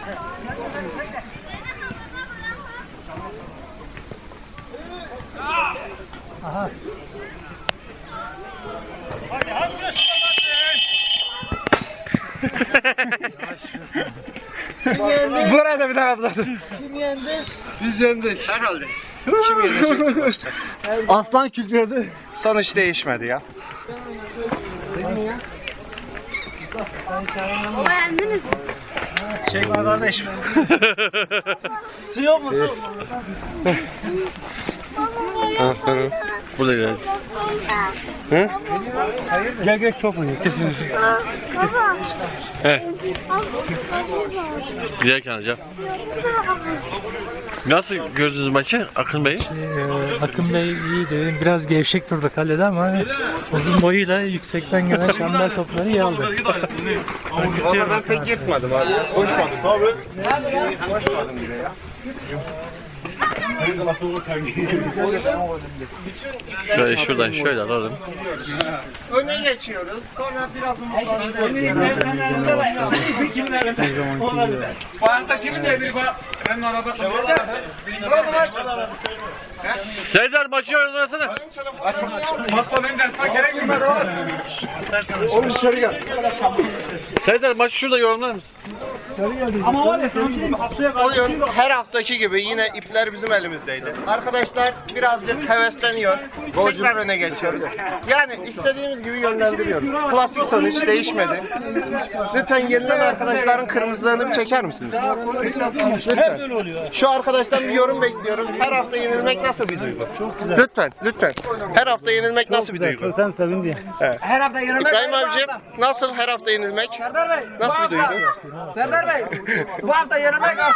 Aha. Burada bir daha abladı. Kim yendi? Biz yendik. Herhalde. Kim yenecek? Aslan kükredi. Sonuç değişmedi ya. Baba yendiniz mi? Çekme kardeşim. Su yok mu? Su. Burada gidelim. Hı? Gel gel çok mu? Baba. He. Giderken alacağım. Nasıl gördünüz maçı Akın Bey? Akın Bey iyiydi. Biraz gevşek durdu kalede ama uzun boyuyla yüksekten gelen şamlar topları iyi aldı. Valla ben pek yırtmadım abi. Koşmadım abi. Koşmadım bile ya. Şuradan şöyle alalım. Öne geçiyoruz. Sonra biraz Her zamanki gibi. Serdar maçı oynasana. Oğlum dışarı gel. Serdar maçı şurada yorumlar mısın? Ama var ya sana bir şey diyeyim mi? Haftaya Oyun her haftaki gibi yine ipler bizim elimizdeydi. Arkadaşlar birazcık hevesleniyor. Tekrar öne geçiyoruz. Yani istediğimiz gibi yönlendiriyoruz. Klasik sonuç değişmedi. Lütfen yenilen arkadaşların kırmızılarını bir çeker misiniz? Lütfen. Şu arkadaştan bir yorum bekliyorum. Her hafta yenilmek nasıl bir duygu? Lütfen, lütfen. Her hafta yenilmek nasıl bir duygu? Sen sevin diye. Evet. İbrahim abicim nasıl her hafta yenilmek? Nasıl bir duygu? Serdar Bey, bu hafta yenilmek